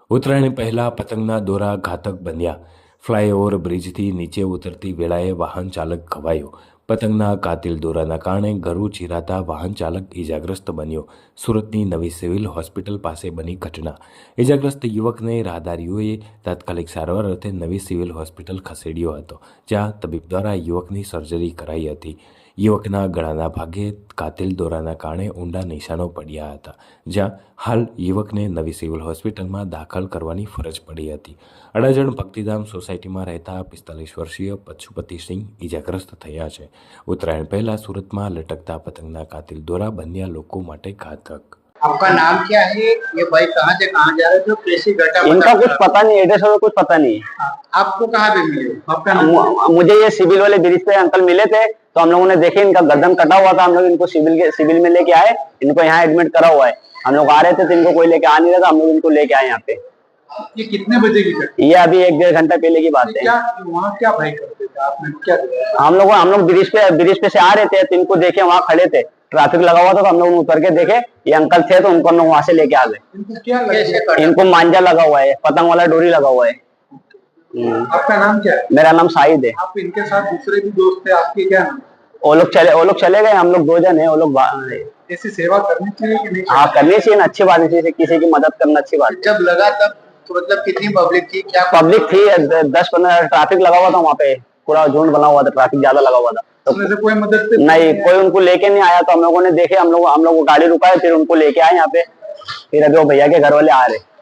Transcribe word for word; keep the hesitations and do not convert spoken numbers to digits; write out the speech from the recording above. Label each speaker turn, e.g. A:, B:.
A: ઉત્તરાયણ પહેલા પતંગના દોરા ઘાતક બન્યા. ફ્લાયઓવર બ્રિજથી નીચે ઉતરતી વેળાએ વાહન ચાલક ઘવાયો. પતંગના કાતિલ દોરાના કારણે ગળું ચીરાતા વાહન ચાલક ઇજાગ્રસ્ત બન્યો. સુરતની નવી સિવિલ હોસ્પિટલ પાસે બની ઘટના. ઇજાગ્રસ્ત યુવકને રાહદારીઓએ તાત્કાલિક સારવાર અર્થે નવી સિવિલ હોસ્પિટલ ખસેડ્યો હતો, જ્યાં તબીબ દ્વારા યુવકની સર્જરી કરાઈ હતી. યુવકના ગળાના ભાગે કાતિલ દોરાના કારણે ઊંડા નિશાનો પડ્યા હતા, જ્યાં હાલ યુવકને નવી સિવિલ હોસ્પિટલમાં દાખલ કરવાની ફરજ પડી હતી. અડાજણ ભક્તિધામ સોસાયટીમાં રહેતા પિસ્તાલીસ વર્ષીય પશુપતિસિંહ ઇજાગ્રસ્ત થયા છે. ઉત્તરાયણ પહેલા સુરતમાં લટકતા પતંગના કાતિલ દોરા બન્યા લોકો માટે घातक.
B: आपका नाम क्या है? ये भाई कहाँ से कहाँ जा रहे थे? कैसी घटना?
C: इनका कुछ पता नहीं, एड्रेस का कुछ पता नहीं है।
B: आपको कहाँ पे मिले? आपका नाम?
C: मुझे ये सिविल वाले ब्रिज पे अंकल मिले थे, तो हम लोगों ने देखे इनका गर्दन कटा हुआ था। हम लोग इनको सिविल के सिविल में लेके आए, इनको यहाँ एडमिट करा हुआ है। हम लोग आ रहे थे तो इनको कोई लेके आ नहीं रहा था, हम लोग इनको लेके आए यहाँ पे।
B: ये कितने बजे की घटना?
C: ये अभी एक डेढ़ घंटा पहले की बात है।
B: क्या वहाँ क्या भाई करते थे? आपने क्या देखा?
C: हम लोग हम लोग ब्रिज पे ब्रिज पे से आ रहे थे, तो इनको देखे वहाँ खड़े थे, ट्रैफिक लगा हुआ था, तो हम लोग उतर के देखे ये अंकल थे, तो उनको हम लोग वहाँ से लेके आ गए।
B: इनको क्या लगा?
C: इनको मांझा लगा हुआ है, पतंग वाला डोरी लगा हुआ है।
B: आपका नाम क्या है?
C: मेरा नाम शाहिद है।
B: आप इनके साथ दूसरे भी दोस्त थे, आपके क्या नाम?
C: वो लोग चले वो लोग चले गए, हम लोग दो जन है। वो लोग
B: ऐसी सेवा करनी चाहिए कि नहीं?
C: हाँ, करनी चाहिए ना, अच्छी बात है, किसी की मदद करना अच्छी बात है।
B: जब लगा तब तो मतलब कितनी पब्लिक थी? क्या
C: पब्लिक थी? दस पंद्रह, ट्रैफिक लगा हुआ था वहाँ पे, पूरा झुंड बना हुआ था, ट्रैफिक ज्यादा लगा हुआ था। तो
B: उसमें से कोई मदद
C: नहीं, कोई उनको लेके नहीं आया। तो हम लोगों ने देखे, हम लोग हम लोग गाड़ी रुकाए, फिर उनको लेके आए यहाँ पे। फिर अभी वो भैया के घर वाले आ रहे।